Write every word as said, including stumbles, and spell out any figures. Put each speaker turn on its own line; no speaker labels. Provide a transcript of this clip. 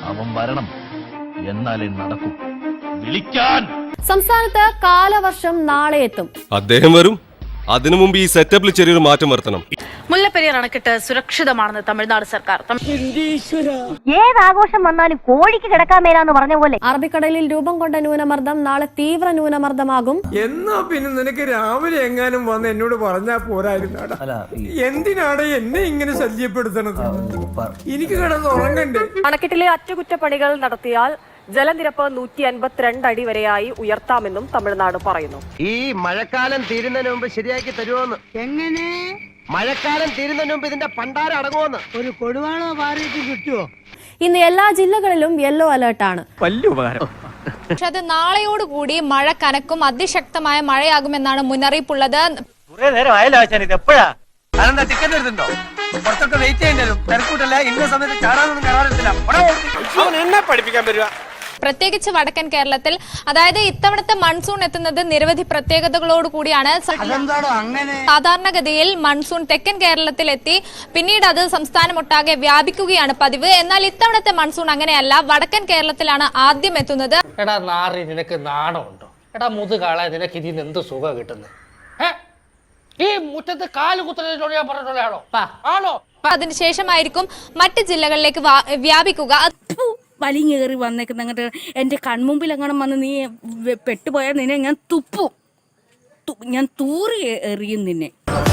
അവൻ വരണം, എന്നാലേ നടക്കൂ. വിളിക്കാൻ.
സംസ്ഥാനത്ത് കാലവർഷം നാളെ എത്തും.
അദ്ദേഹം വരും. അതിനു മുമ്പ് ഈ സെറ്റപ്പിൽ ചെറിയൊരു മാറ്റം വരുത്തണം.
മുല്ലപ്പെരിയാർ അണക്കെട്ട് സുരക്ഷിതമാണെന്ന് തമിഴ്നാട് സർക്കാർ.
ഏതാഘോഷം വന്നാലും കോഴിക്ക് കിടക്കാൻ മേലാന്ന് പറഞ്ഞ പോലെ
അറബിക്കടലിൽ രൂപം കൊണ്ട ന്യൂനമർദ്ദം നാളെ തീവ്ര ന്യൂനമർദ്ദമാകും.
എന്നാ പിന്നെ നിനക്ക് രാവിലെ എങ്ങാനും വന്ന് എന്നോട് പറഞ്ഞാ പോരായിരുന്നാടാ. എന്തിനാണ് എന്നെ ഇങ്ങനെ ശല്യപ്പെടുത്തണത്? എനിക്ക് കിടന്ന് ഉറങ്ങണ്ടേ?
അണക്കെട്ടിലെ അറ്റകുറ്റപ്പണികൾ നടത്തിയാൽ ജലനിരപ്പ് നൂറ്റി അൻപത്തിരണ്ട് അടി വരെയായി ഉയർത്താമെന്നും തമിഴ്നാട് പറയുന്നു.
ഈ മഴക്കാലം തീരുന്നതിന് മുമ്പ് ശരിയാക്കി തരുമോന്ന്? എങ്ങനെ മഴക്കാലം തീരുന്നതിന് മുമ്പ് ഇതിന്റെ പണ്ടാരം അടങ്ങുമെന്ന്? ഒരു കൊടുവാണോ ഭാര്യയ്ക്ക് കിട്ടുമോ?
ഇന്ന് എല്ലാ ജില്ലകളിലും യെല്ലോ അലേർട്ടാണ്.
വലിയ ഉപകാരം.
പക്ഷെ അത് നാളെയോടുകൂടി മഴ കനക്കും, അതിശക്തമായ മഴയാകുമെന്നാണ് മുന്നറിയിപ്പുള്ളത്.
കുറെ നേരം ആയാലും ഇത് എപ്പോഴാ അതെന്താ ടിക്കറ്റ് എടുത്തിട്ടുണ്ടോ? കുറച്ചൊക്കെ വെയിറ്റ് ചെയ്യേണ്ടത് തിരക്കൂട്ടല്ല. ഇന്ന സമയത്ത് ചാടാനൊന്നും കയറാറില്ല. എന്നെ പഠിപ്പിക്കാൻ പറ്റുക.
പ്രത്യേകിച്ച് വടക്കൻ കേരളത്തിൽ, അതായത് ഇത്തവണത്തെ മൺസൂൺ എത്തുന്നത് നിരവധി പ്രത്യേകതകളോട് കൂടിയാണ്. സാധാരണഗതിയിൽ മൺസൂൺ തെക്കൻ കേരളത്തിൽ എത്തി പിന്നീട് അത് സംസ്ഥാനമൊട്ടാകെ വ്യാപിക്കുകയാണ് പതിവ്. എന്നാൽ ഇത്തവണത്തെ മൺസൂൺ അങ്ങനെയല്ല. വടക്കൻ കേരളത്തിലാണ് ആദ്യം എത്തുന്നത്.
എടാ നാറി, നിനക്ക് നാണമുണ്ടോ? എടാ മുതുകാളെ, നിനക്ക് ഇതിന് എന്ത് സുഖം കിട്ടുന്നത്? ഈ മുറ്റത്ത് കാല് കുത്തുന്നതിനോട് ഞാൻ പറഞ്ഞിട്ടുള്ളതാണോ? ആണോ?
അതിനുശേഷമായിരിക്കും മറ്റ് ജില്ലകളിലേക്ക് വ്യാപിക്കുക.
വലിഞ്ഞേറി വന്നേക്കുന്ന അങ്ങോട്ട് എന്റെ കൺമുമ്പിൽ അങ്ങനെ വന്ന് നീ പെട്ടുപോയാൽ നിന്നെ ഞാൻ തുപ്പും, ഞാൻ തൂറി എറിയും നിന്നെ.